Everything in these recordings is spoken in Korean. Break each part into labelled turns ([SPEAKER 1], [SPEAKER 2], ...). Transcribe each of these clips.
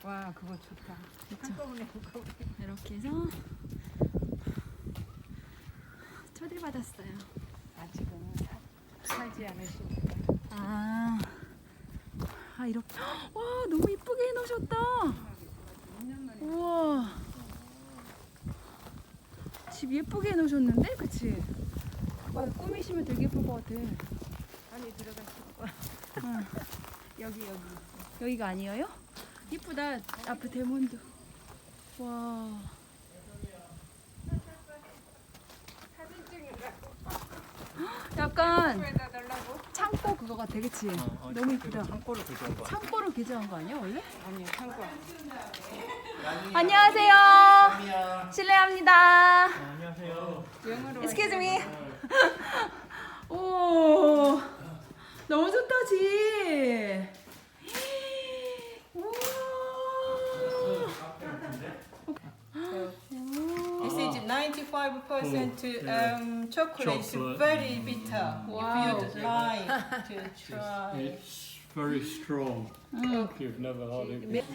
[SPEAKER 1] 와 그거 좋다. 한꺼번에
[SPEAKER 2] 이렇게 해서 초대받았어요.
[SPEAKER 1] 아직은 살지 않으시니까.
[SPEAKER 2] 아 이렇게 와 너무 이쁘게 해놓으셨다. 우와 집 예쁘게 해놓으셨는데 그치? 꾸미시면 되게 예쁠 것 같아.
[SPEAKER 1] 안에 들어가시고.
[SPEAKER 2] 응.
[SPEAKER 1] 여기.
[SPEAKER 2] 여기가 아니에요? 이쁘다. 앞에 대문도. 와.
[SPEAKER 1] 사진 찍으라고.
[SPEAKER 2] 약간
[SPEAKER 1] 에다 달라고?
[SPEAKER 2] 창고 그거 같아, 그치? 너무 이쁘다.
[SPEAKER 3] 창고를 구조한 거.
[SPEAKER 2] 창고로 개조한 거 아니야, 원래?
[SPEAKER 1] 아니 창고.
[SPEAKER 2] 안녕하세요. 실례합니다.
[SPEAKER 3] 안녕하세요.
[SPEAKER 1] 영어로.
[SPEAKER 2] Excuse me. 오, 너무 좋다, 집.
[SPEAKER 1] This is 95% chocolate. It's
[SPEAKER 3] Chocolate.
[SPEAKER 1] very bitter.
[SPEAKER 2] Wow.
[SPEAKER 1] If you'd like to try.
[SPEAKER 3] It's very strong. If you've never had it.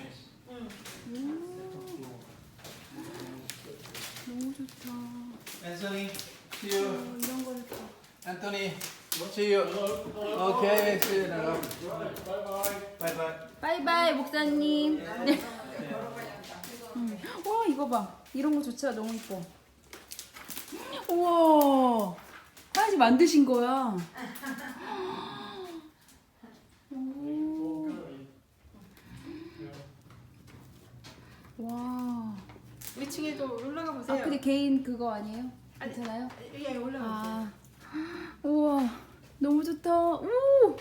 [SPEAKER 2] 너무 좋다.
[SPEAKER 4] Anthony, see you.
[SPEAKER 2] 이런 거를 또.
[SPEAKER 4] Anthony, see you. Okay, see you. Bye bye.
[SPEAKER 2] 바이바이 목사님. 네. 와 이거 봐. 이런 거 좋죠. 너무 이뻐. 우와. 하나씩 만드신 거야. 오. 와.
[SPEAKER 1] 위층에도 올라가
[SPEAKER 2] 아
[SPEAKER 1] 보세요.
[SPEAKER 2] 근데 개인 그거 아니에요? 괜찮아요?
[SPEAKER 1] 예, 올라가.
[SPEAKER 2] 아. 우와. 너무 좋다. 오.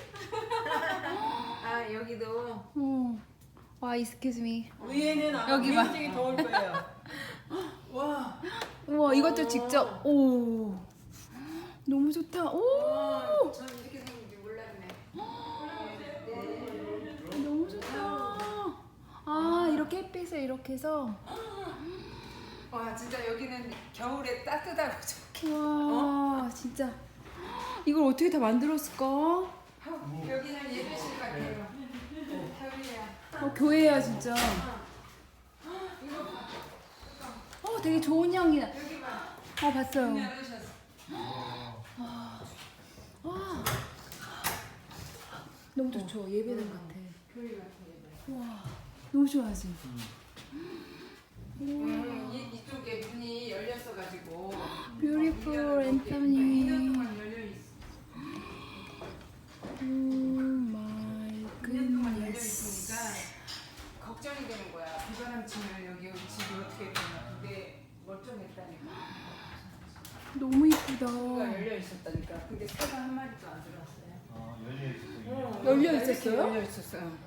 [SPEAKER 1] 아 여기도
[SPEAKER 2] 어. 와, excuse me.
[SPEAKER 1] 위에는 아마
[SPEAKER 2] 여기 봐.
[SPEAKER 1] 굉장히 더울 거예요. 와.
[SPEAKER 2] 우와, 이것도 직접. 오. 너무 좋다. 오.
[SPEAKER 1] 전 이렇게 생긴지 몰랐네.
[SPEAKER 2] 너무 좋다. 아, 이렇게 햇빛에 이렇게 해서.
[SPEAKER 1] 와 진짜 여기는 겨울에 따뜻하고 좋게.
[SPEAKER 2] 와, 진짜. 이걸 어떻게 다 만들었을까?
[SPEAKER 1] 여기는 예배실 같아요. 겨울이야.
[SPEAKER 2] 교회야, 진짜. 되게 좋은 향이 나.
[SPEAKER 1] 여기 봐.
[SPEAKER 2] 봤어요.
[SPEAKER 1] 열으셨어.
[SPEAKER 2] 너무 좋죠. 예배당 같아.
[SPEAKER 1] 교회 같아 예배.
[SPEAKER 2] 와, 너무 좋아하지.
[SPEAKER 1] 이쪽에 문이 열렸어 가지고.
[SPEAKER 2] Beautiful,
[SPEAKER 1] 2년
[SPEAKER 2] Anthony.
[SPEAKER 1] 동안 열려 있어.
[SPEAKER 2] Oh my
[SPEAKER 1] 2년 동안 열려
[SPEAKER 2] goodness.
[SPEAKER 1] 있으니까 걱정이 되는 거야. 비바람 치면 여기 집이 어떻게 되나. 근데 멀쩡했다니까.
[SPEAKER 2] 너무 이쁘다.
[SPEAKER 1] 문가 열려 있었다니까. 근데 새가 한 마리도 안 들어왔어요.
[SPEAKER 2] 열려
[SPEAKER 1] 이렇게
[SPEAKER 2] 있었어요?
[SPEAKER 1] 열려 있었어요.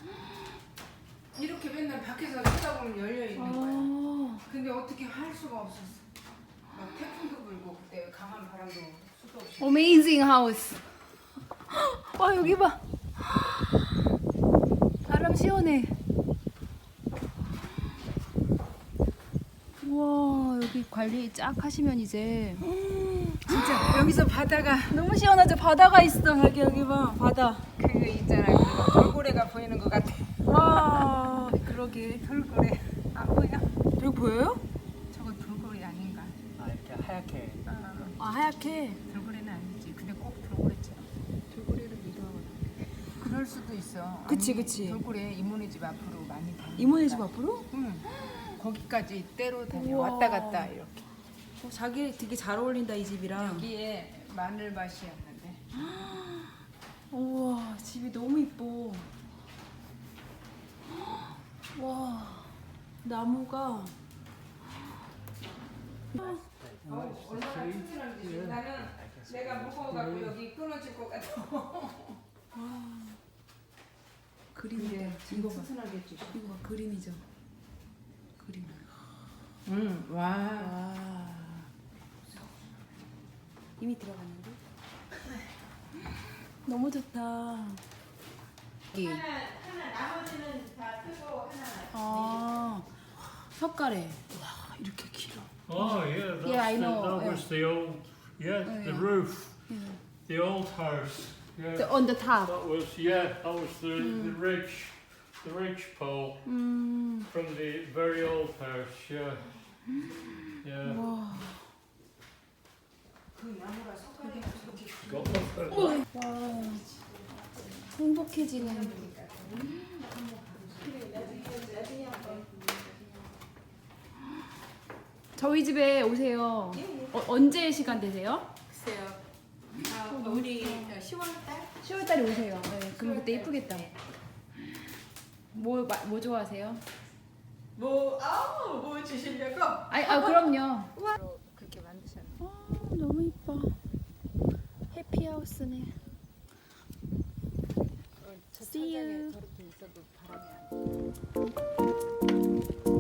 [SPEAKER 1] 이렇게 맨날 밖에서 쳐다보면 열려 있는 거야.
[SPEAKER 2] 아,
[SPEAKER 1] 근데 어떻게 할 수가 없었어. 막 태풍도 불고 그때 강한 바람도 수도 없이.
[SPEAKER 2] amazing house. 와, 여기 봐. 바람 시원해. 우와, 여기 관리 쫙 하시면 이제
[SPEAKER 1] 진짜 여기서 바다가
[SPEAKER 2] 너무 시원하죠. 바다가 있어. 여기 봐. 바다.
[SPEAKER 1] 그 있잖아요. 그 돌고래가 보이는 것 같아.
[SPEAKER 2] 와, 그러게.
[SPEAKER 1] 돌고래 안 보여?
[SPEAKER 2] 여기 보여요?
[SPEAKER 1] 저거 돌고래 아닌가?
[SPEAKER 3] 아 이렇게 하얗게.
[SPEAKER 2] 아, 하얗게.
[SPEAKER 1] 돌고래는 아니지. 근데 꼭 돌고래처럼. 돌고래를 믿어하거든. 그럴 수도 있어.
[SPEAKER 2] 그치,
[SPEAKER 1] 아니,
[SPEAKER 2] 그치.
[SPEAKER 1] 돌고래 이모네 집 앞으로 많이 다니.
[SPEAKER 2] 이모네 집 앞으로?
[SPEAKER 1] 응. 거기까지 때로 다녀.
[SPEAKER 2] 우와.
[SPEAKER 1] 왔다 갔다 이렇게.
[SPEAKER 2] 자기 되게 잘 어울린다, 이 집이랑.
[SPEAKER 1] 여기에 마늘밭이었는데.
[SPEAKER 2] 우와, 집이 너무 이뻐. 와, 나무가.
[SPEAKER 1] 얼마나 튼튼한지. 나는 내가 무거워갖고 여기 끊어질 것 같아.
[SPEAKER 2] 그림이다. 이거 봐.
[SPEAKER 1] 튼튼하겠지.
[SPEAKER 2] 이거 봐, 그림이죠. 그림.
[SPEAKER 1] 응. 와.
[SPEAKER 2] 와. 이미 들어갔는데? 너무 좋다. 여기.
[SPEAKER 1] 하나 나머지는 다 뜨고 하나.
[SPEAKER 2] 아, 석가래. 와, 이렇게 길어.
[SPEAKER 3] Oh yeah, that's
[SPEAKER 2] Yeah, I know,
[SPEAKER 3] that
[SPEAKER 2] yeah.
[SPEAKER 3] was the old, the
[SPEAKER 2] yeah.
[SPEAKER 3] roof,
[SPEAKER 2] Yeah.
[SPEAKER 3] the old house. Yeah,
[SPEAKER 2] On the top.
[SPEAKER 3] that was the ridge pole. from the very old house. Yeah. Yeah.
[SPEAKER 2] 와.
[SPEAKER 1] 그 나무가 석가래가 저렇게
[SPEAKER 3] Got one.
[SPEAKER 2] 와. 행복해지는. 저희 집에 오세요. 언제 시간 되세요?
[SPEAKER 1] 글쎄요. 우리 10월달?
[SPEAKER 2] 10월달에 오세요. 네, 그럼 그때 이쁘겠다. 뭐 좋아하세요?
[SPEAKER 1] 뭐 주시려고?
[SPEAKER 2] 그럼요.
[SPEAKER 1] 그렇게 만드셨네.
[SPEAKER 2] 너무 이뻐. 해피하우스네.
[SPEAKER 1] 저
[SPEAKER 2] See you.
[SPEAKER 1] 저렇게 있어도 바람이 안